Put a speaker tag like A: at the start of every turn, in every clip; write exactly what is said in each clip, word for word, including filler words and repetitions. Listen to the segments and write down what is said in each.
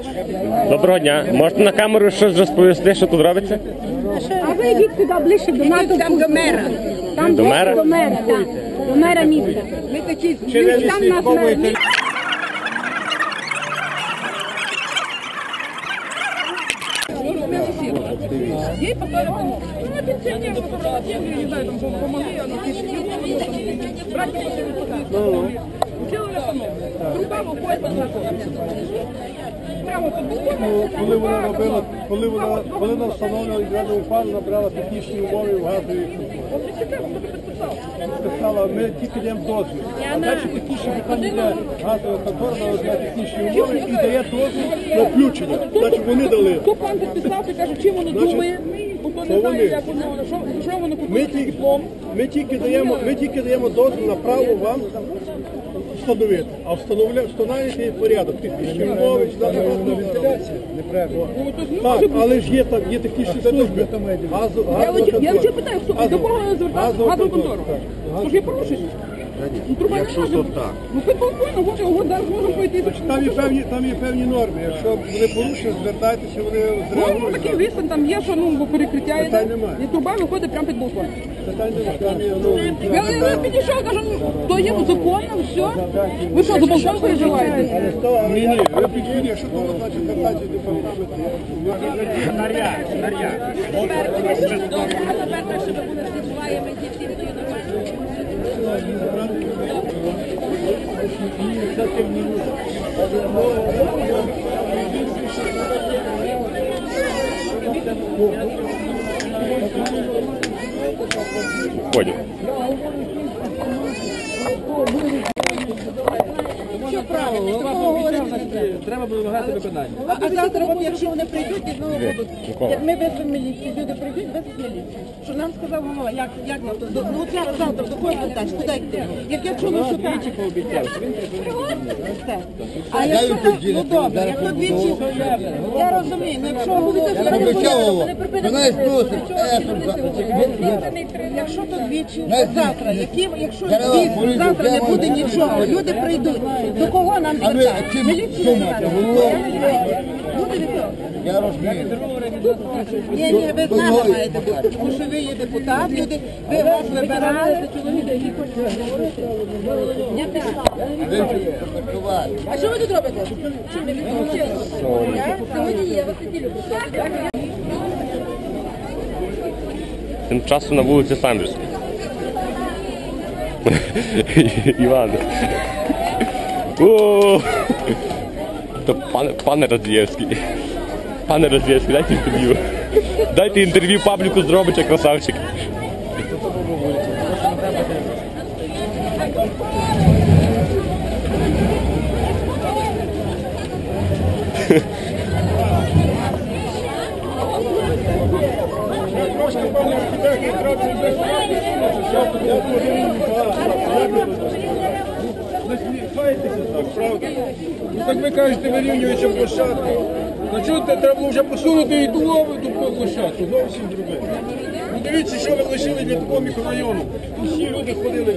A: Доброго дня. Можете на камеру щось розповісти, що тут робиться?
B: А ви йдіть туди ближче до НАТО. Там до мера. Там
A: до мера?
B: До мера, так. До мера міста. Ми такі, там нас мер. Ей потом, ну, пенсионер, которого деньги, не знаю, там помогли, она братья сделали по-новому. Труба выходит на прямо
C: Коли вона робила, коли вона, коли вона встановлювала відряду упал, набрала технічні умови в газовій підписала, ми тільки даємо дозвіл. А далі технічні питання йде газова контора, на технічні умови і дає дозвіл на включення. Значить вони дали.
B: Хто пан підписав, ти каже, чим воно думає, бо не знає, як воно, що воно купує диплом.
C: Ми тільки даємо, ми тільки даємо дозвіл на право вам встановити, а встановлюєте порядок, технічні умови, так, але ж є там, є технічні служби.
B: Я вже питаю, хто, до кого звертатися? Газову контору. Тож є порушення.
C: Якщо то так.
B: Ну хоч полковно, може, його зараз можна пойти.
C: Там є певні, там є певні норми. Якщо вони порушують, звертайтеся, вони зреагують.
B: Ну, такий висен, там є, що, ну, бо перекриття є.
C: Питань немає.
B: І труба виходить прямо під балкон.
C: Питань немає. Там є, ну,
B: Я, я підійшов, кажу, то є законно, все. Ви що, до балкону переживаєте?
C: ні, ні, ви підійдіть, якщо то значить звертайтеся до департаменту.
D: Наряд, наряд.
B: Тепер так, щоб були збуваємо дітей, то є нормально.
A: Ходю.
B: Що правило?
D: Треба вимагати виконання.
B: А завтра, от, якщо вони прийдуть, і знову будуть, як ми веземо міліцію, люди прийдуть, везуть міліцію. Що нам сказав голова, як, як нам то, до- ну от зараз завтра, до кого питаєш, куди йти? Як я чула, що так. Все. А якщо там, ну добре, якщо двічі, я розумію, ну якщо голова,
E: Вона просить,
B: якщо то двічі, завтра, які, якщо двічі, завтра не буде нічого, люди прийдуть, до кого нам звертати? Міліцію звертати? Буде від того?
E: я розумію.
B: Ні, ні, ви з нами маєте бути, тому що ви є депутат, люди, ви вас вибирали. Я пішла. А що ви тут робите? Чим ви відпочили? Я сьогодні є, вас тоді люблю.
A: Тим часом на вулиці Самбірській. Іван. О! То пане, пане Радзієвський. Пане Радзієвський, дайте інтерв'ю. Дайте інтерв'ю Павліку Здробича, красавчик.
C: Ну так ви кажете, вирівнюючи площадку. Ну чого треба було вже посунути і ту нову, і ту площадку, зовсім друге. Ну дивіться, що ви лишили для такого мікрорайону. Тут всі люди ходили.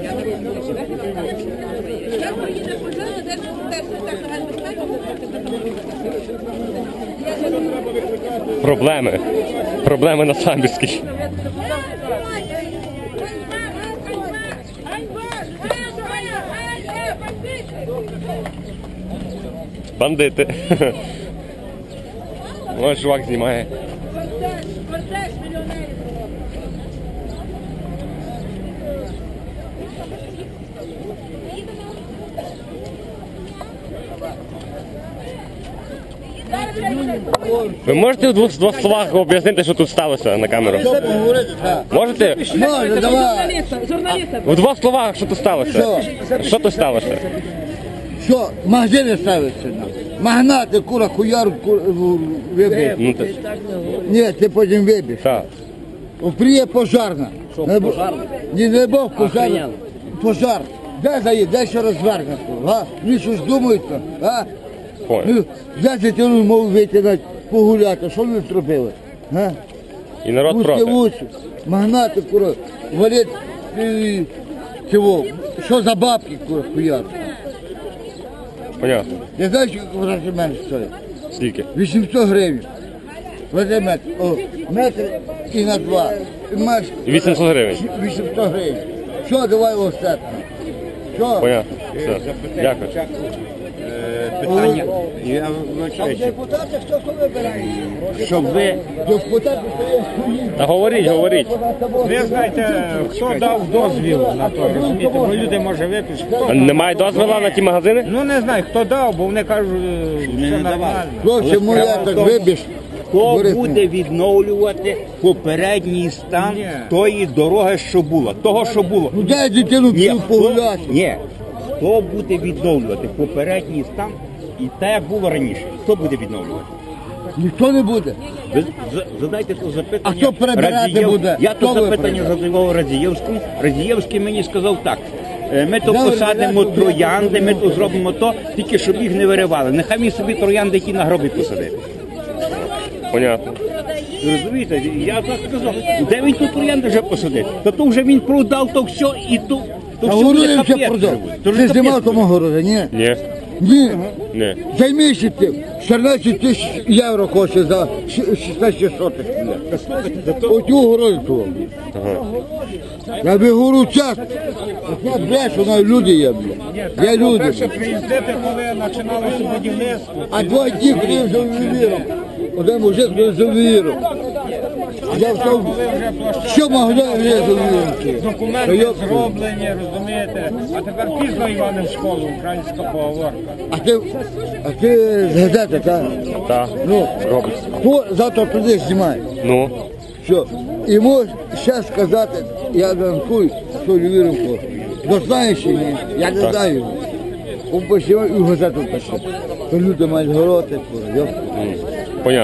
A: Проблеми. Проблеми на Самбірській. Бандити. Ось чувак знімає. Ви можете в двох, в двох словах об'яснити, що тут сталося на камеру? Можете?
E: Може, давай.
A: В двох словах, що тут сталося? Що тут сталося?
E: Що, магазини ставиться? Магнати, кура, хуяр, кура, вибір.
A: Ну, ти-
E: Ні, ти потім вибір.
A: Так.
E: Приє пожарна.
D: Що,
E: Не бо-
D: пожарна?
E: Ні, не Бог пожарна.
D: Охрененно.
E: Пожар. Де заїде, де ще розвернути? А? Вони щось думають, а?
A: Понял.
E: Ну, взяти дитину, мов вийти на- погуляти, що вони зробили? А?
A: І народ
E: Вузькі
A: проти.
E: вулиці, магнати, кура, валять, і, чого, що за бабки, кура, хуяр?
A: Понятно.
E: Я знаю, що гроші менше стоїть.
A: Скільки?
E: вісімсот гривень. Вези метр, о, метр і на два. І маєш
A: вісімсот гривень.
E: вісімсот гривень. Що, давай остатньо. Що?
A: Понятно. Все. Дякую.
F: Питання. Я вибачаюся.
E: Депутати хто хто вибирає?
F: Щоб ви,
E: Депутати стоять.
A: Та говоріть, говоріть.
F: ви знаєте, хто дав дозвіл на то, розумієте, бо люди може випишуть.
A: Немає дозволу на ті магазини?
F: Ну не знаю, хто дав, бо вони кажуть, е, все нормально.
E: Хлопці, моя так вибіж.
G: Хто
E: Борис,
G: буде відновлювати попередній стан
F: Ні.
G: тої дороги, що була? Того, що було.
E: Ну дай дитину
G: Ні,
E: цю
G: хто,
E: погуляти.
G: ні. Хто буде відновлювати попередній стан і те, як було раніше? Хто буде відновлювати?
E: Ніхто не буде.
G: Ви за- задайте то запитання.
E: А хто прибирати
G: Радієв-
E: буде?
G: Я
E: Хто
G: то
E: ви
G: запитання
E: прибирати?
G: задавав Радієвському. Радієвський мені сказав так. е, Ми то
E: Добре,
G: посадимо
E: добре,
G: троянди, ми
E: добре.
G: то зробимо то, тільки щоб їх не виривали. Нехай він собі троянди ті на гроби посадить.
A: Понятно.
G: Ви розумієте, я так сказав, де він тут троянди вже посадив? Та то вже він продав то все і то, то
E: А
G: все
E: городи
G: буде
E: вже
G: капець
E: продав.
G: вже буде. То вже
E: Ти
G: капець
E: знімав
G: буде.
E: тому городі, ні?
A: Ні.
E: Ні.
A: Ні.
E: Займися тим. чотирнадцять тисяч євро хоче за щ- шістнадцять сотих. Оцю городу того. Я би говорю час. Я брешу, на люди є, бля. Я люди.
F: Перше приїздити, коли починалося будівництво.
E: А два дні ходив за ювеліром. Один мужик ходив за ювеліром. Я все, що могли я за ювеліром.
F: Документи зроблені, розумієте. А тепер пізно Іване в школу, українська поговорка.
E: А ти, а ти з газети, так?
A: Так.
E: Ну,
A: Робиться.
E: хто завтра туди знімає?
A: Ну.
E: Що? І можеш ще сказати, я ранкую, що ювеліром хоче. Ну знаєш чи ні? Я не знаю. Он посіває і в газету пише. То люди мають гороти, йоп.
A: Понятно.